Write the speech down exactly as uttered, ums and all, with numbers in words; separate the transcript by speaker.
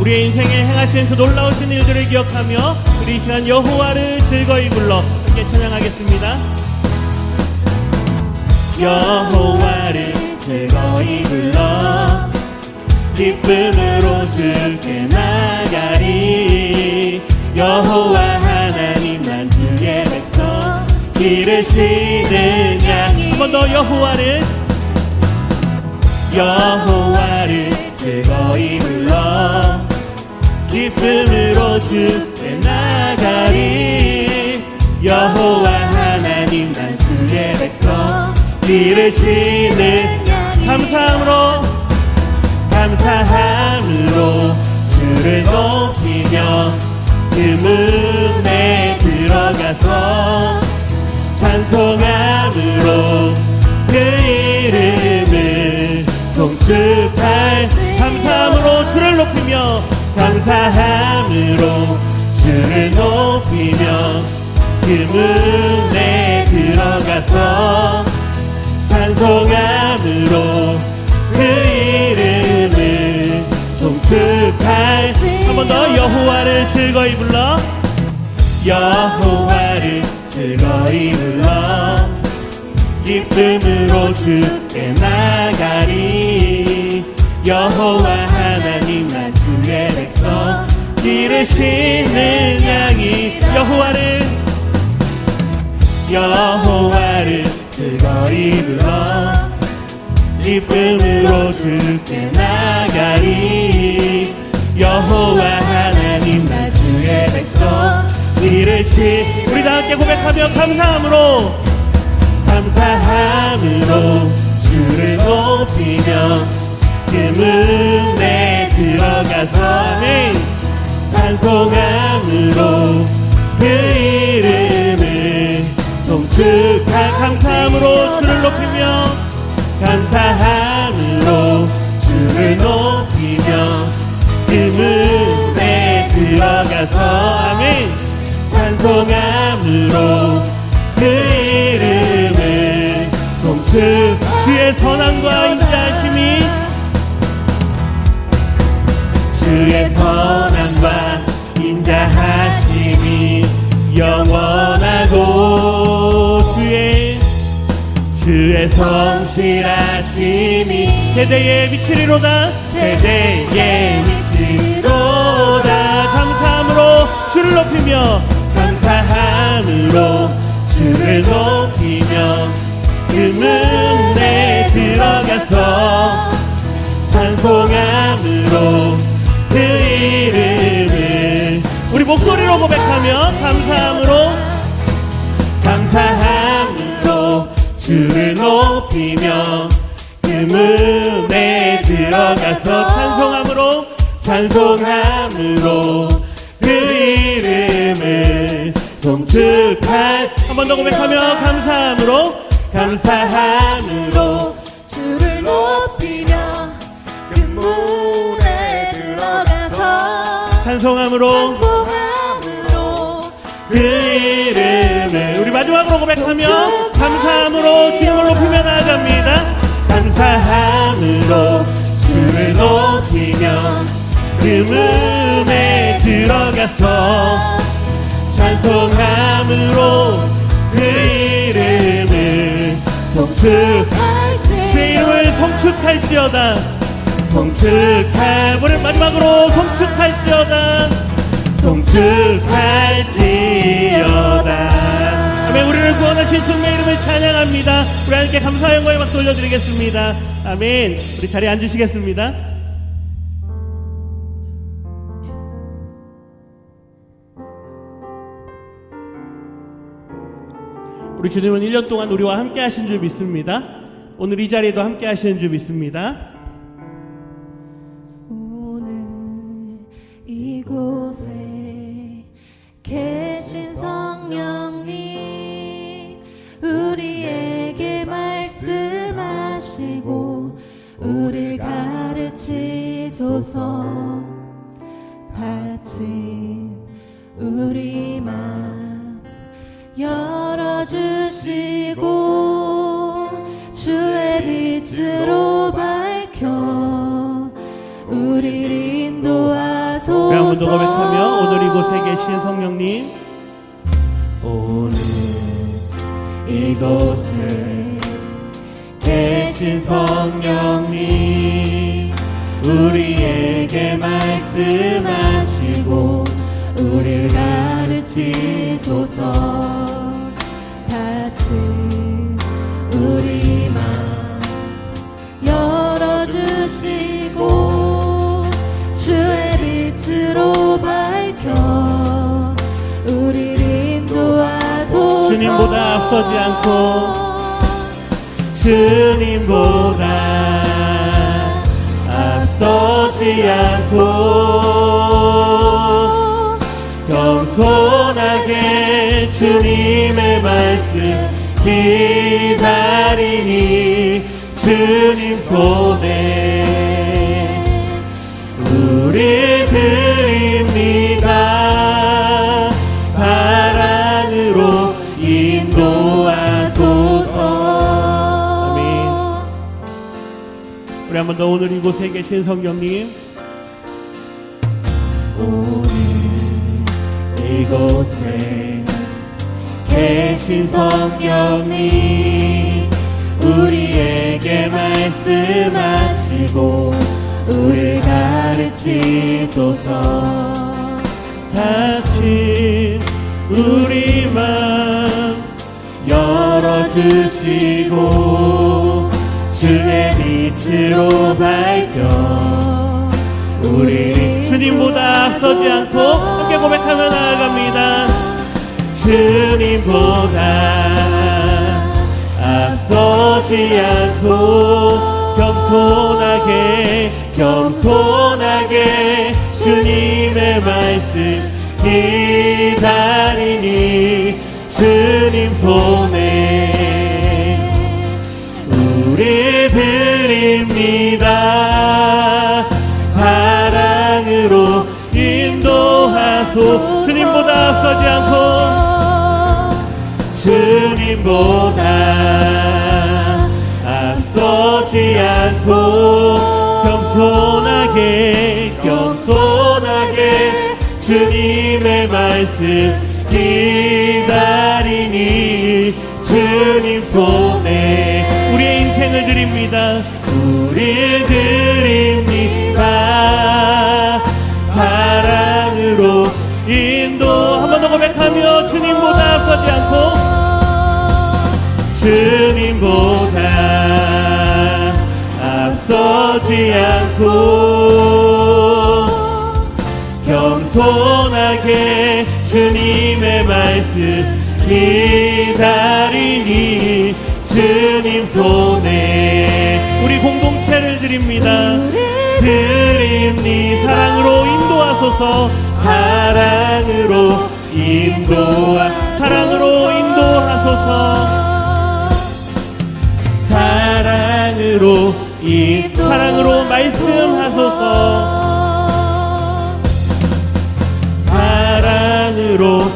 Speaker 1: 우리의 인생에 행하신 그 놀라우신 일들을 기억하며 우리 이 시간 여호와를 즐거이 불러 함께 찬양하겠습니다. 여호와를 즐거이 불러 기쁨으로 주께 나가리. 여호와 하나님만 주의 백성 기르시는 양이. 한 번 더 여호와를 여호와를 즐거이 불러 기쁨으로 주께 나가리. 여호와 하나님만 주의 백성 기르시는 양이. 감사함으로 감사함으로 주를 높이며 그 문에 들어가서 찬송함으로 그 이름을 송축할. 감사함으로 주를 높이며 감사함으로 주를 높이며 그 문에 들어가서 찬송함으로 그 이름을 송축할. 한 번 더 여호와를 즐거이 불러 여호와를 즐거이 불러 기쁨으로 주께 나가리. 여호와 하나님만 주의 백성 기르시는 양이. 여호와를 여호와를 즐거이 불러 기쁨으로 주께 나가리. 여호와 하나님만 주의 백성 기르시. 우리 다 함께 고백하며 감사함으로 감사함으로 주를 높이며 그 문에 들어가서 아멘. 찬송함으로 그 이름을 송축할. 감사함으로 주를 높이며 감사함으로 주를 높이며 그 문에 들어가서 아멘. 찬송함으로 그 이름을 송축. 주의 선함과 인자하심이 주의 선함과 인자하심이 영원하고 주의 주의 성실하심이 세대에 미치리로다. 세대에 미치리로다. 감사함으로 주를 높이며 감사함으로 주를 높이며 그 문에 들어가서 찬송함으로 그 이름을 우리 목소리로 고백하며 감사함으로 감사함으로 주를 높이며 그 문에 들어가서 찬송함으로 찬송함으로 그 이름을 송축할. 한 번 더 고백하며 감사함으로 감사함으로
Speaker 2: 주를 높이며 그 문에 들어가서
Speaker 1: 찬송함으로
Speaker 2: 찬송함으로
Speaker 1: 그 이름을. 우리 마지막으로 고백하며 감사함으로 주님을 높이며 나아갑니다. 감사함으로 주를 높이며 그 문에 들어가서 찬송함으로 그 이름을 송축할. 그 이름을 송축할지어다. 송축할. 우리 마지막으로 송축할지어다. 송축할지어다. 아멘. 우리를 구원하신 주님의 이름을 찬양합니다. 우리 하나님께 감사와 영광의 박수 올려드리겠습니다. 아멘. 우리 자리에 앉으시겠습니다. 우리 주님은 일 년 동안 우리와 함께 하신 줄 믿습니다. 오늘 이 자리에도 함께 하시는 줄 믿습니다.
Speaker 2: 오늘 이곳에 계신 성령님 우리에게 말씀하시고 우릴 가르치소서. 닫힌 우리 맘 열어주시고 주의 빛으로 밝혀 우리를 인도하소서.
Speaker 1: 한 번 더 고백하며 오늘 이곳에 계신 성령님,
Speaker 2: 오늘 이곳에 계신 성령님, 우리에게 말씀하시고 우리를 가르치소서. 닫힌 우리 맘 열어주시고 주의 빛으로 밝혀 우리를 인도하소서.
Speaker 1: 주님보다 앞서지 않고 주님보다 앞서지 않고 겸손하게 주님의 말씀 기다리니 주님 손에 우리 드립니다. 사랑으로 인도하소서. 아멘. 우리 한 번 더 오늘 이곳에 계신 성령님,
Speaker 2: 오늘 이곳에 계신 성령님, 우리에게 말씀하시고 우리를 가르치소서.
Speaker 1: 닫힌 우리 맘
Speaker 2: 열어주시고 주의 빛으로 밝혀 우리
Speaker 1: 주님보다 앞서지 않고 함께 고백하며 나아갑니다. 주님보다 앞서지 않고 겸손하게 겸손하게 주님의 말씀 기다리니 주님 손에 우리 드립니다. 사랑으로 인도하소. 주님보다 앞서지 않고 주님보다 앞서지 않고 겸손하게 겸손하게 주님의 말씀 기다리니 주님 손에 우리의 인생을 드립니다. 우리 드립니다. 사랑으로 인도. 한 번 더 고백하며 주님보다 앞서지 않고 주님보다 앞서지 않고 겸손하게 주님의 말씀 기다리니 주님 손에 우리 공동체를 드립니다. 드립니 사랑으로 인도하소서. 사랑으로 인도하 사랑으로 인도하소서. 사랑으로 이 사랑으로 말씀하소서. 사랑으로